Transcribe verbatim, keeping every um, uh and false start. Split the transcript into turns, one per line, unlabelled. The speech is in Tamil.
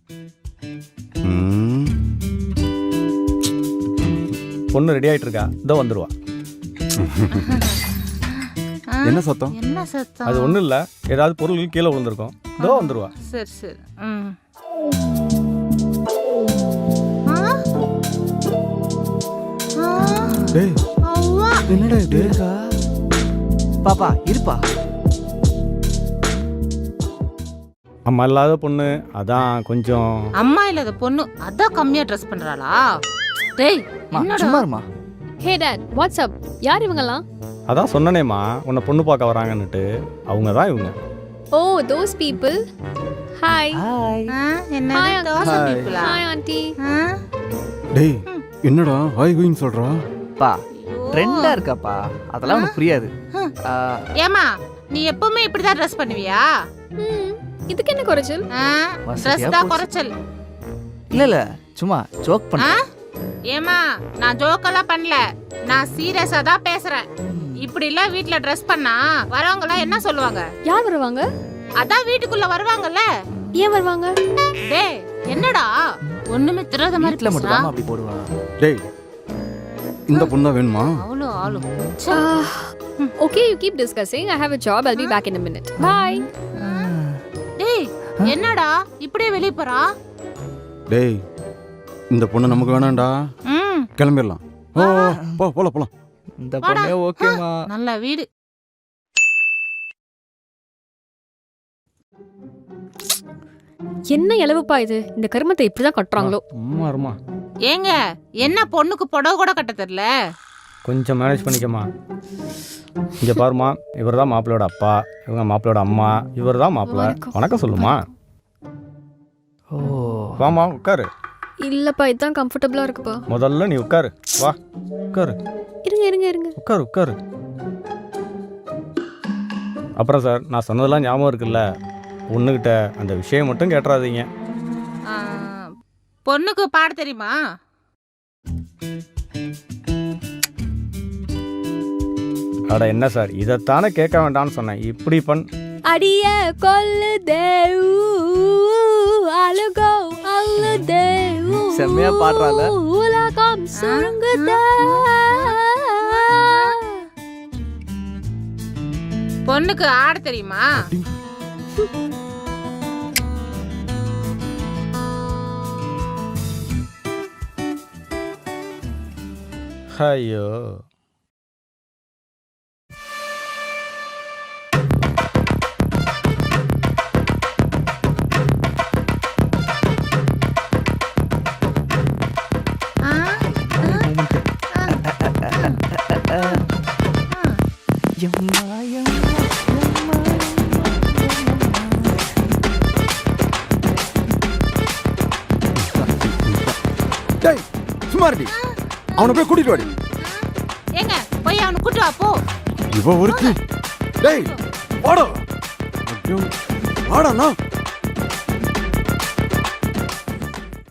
பொண்ணு ரெடி ஆயிட்டு இருக்கா, இதோ வந்துருவா.
என்ன சத்தம்?
என்ன சத்தம்?
அது ஒண்ணும் இல்ல, ஏதாவது பொருள் கீழே விழுந்திருக்கும், இதோ வந்துருவா.
சரி சரி. ம்.
டேய் என்னடா இது?
பாப்பா இருப்பா.
அம்மா இல்லாத பொண்ணு, அதான் கொஞ்சம்.
அம்மா இல்லாத பொண்ணு அதான் கம்மியா ட்ரெஸ் பண்றாளா? டேய் என்னடா?
சும்மா இருமா.
Hey dad, what's up? யார் இவங்கலாம்?
அதான் சொன்னனேம்மா, உன்னை பொண்ணு பார்க்க வராங்கன்னுட்டு. அவங்க தான் இவங்க.
Oh, those people. Hi.
Hi.
என்ன
Hi,
தோசை
Hi.
பீப்புளா?
Hi aunty.
டேய் என்னடா ஹாய் கோயிங் சொல்றா?
பா ட்ரெண்டா இருக்காப்பா, அதெல்லாம் உனக்கு புரியாது. ஆ,
ஏமா நீ எப்பவுமே இப்படிதான் ட்ரெஸ் பண்ணுவியா?
ம், இதுக்கு என்ன குறைச்சல்?
ட்ரெஸ்
வசதியா
தான்
போச்சு.
குறைச்சல்.
இல்ல இல்ல சும்மா ஜோக் பண்ண.
ஏமா நான் ஜோக்கெல்லாம் பண்ணல, நான் சீரியஸா தான் பேசுறேன். இப்படி இல்ல வீட்ல ட்ரெஸ் பண்ணா வரவங்க எல்லாம் என்ன சொல்லுவாங்க?
யார் வருவாங்க?
அதான் வீட்டுக்குள்ள வருவாங்கல்ல.
ஏன் வருவாங்க?
டேய் என்னடா ஒண்ணுமே தெரியாத மாதிரி
வீட்ல மட்டும்
பேசுறா?
தான் அப்படி போடுவாங்க.
டேய் இந்த பொண்ணா வேணுமா?
அவ்வளோ ஆளு.
Okay, you keep discussing. I have a job. I'll be back in a minute. Bye.
டேய் என்னடா இப்படியே வெளிய போறா?
டேய் இந்த பொண்ணு நமக்கு வேணாம்டா,
ம்
கிளம்பிடலாம். ஓ போ போலாம் போலாம்.
இந்த பொண்ணே ஓகேமா.
நல்ல வீடு.
என்ன இலவுப்பா இது? இந்த கருமத்தை இப்படிதான் கட்டுறாங்களோ?
அம்மா இருமா,
ஏங்க என்ன பொண்ணுக்கு புடவை கூட கட்ட தெரியல?
கொஞ்சம் மேனேஜ் பண்ணிக்கம்மா. இங்க பாருமா, இவர் தான் மாப்பிள்ளையோட அப்பா, இவங்க மாப்பிள்ளையோட அம்மா, இவர் தான் மாப்பிள்ளை. வணக்கம் சொல்லுமா.
ஓ
வாமா உட்காரு.
இல்லப்பா, இதுதான் கம்ஃபர்டபுளா இருக்குப்பா.
முதல்ல நீ உட்காரு, வா உட்காரு.
இருங்க இருங்க இருங்க.
உட்காரு உட்காரு. அப்புறம் சார், நான் சொன்னதெல்லாம் ஞாபகம் இருக்குல்ல, பொண்ணுகிட்ட அந்த விஷயம் மட்டும் கேட்டுறாதீங்க.
ஆ, பொண்ணுக்கு பாட தெரியுமா?
அட என்ன சார், இதைத்தானே கேட்க வேண்டாம்னு சொன்னேன். இப்படி பண்
அடிய கொல்லுதே அழுகோ அழுதே
செம்மையா பாடுறாள.
உலகம் சுருங்குதே.
பொண்ணுக்கு ஆட தெரியுமா?
ஐயோ,
ஆ?
எம்மா எம்மா எம்மா.
டேய் சும்மா இருடி, அவனை போய் கூட்டிட்டு வாடி.
ஏங்க போய் அவனை கூட்டு வா போ.
இவ ஒருத்தி. டேய் வாடா. ஐயோ வாடா.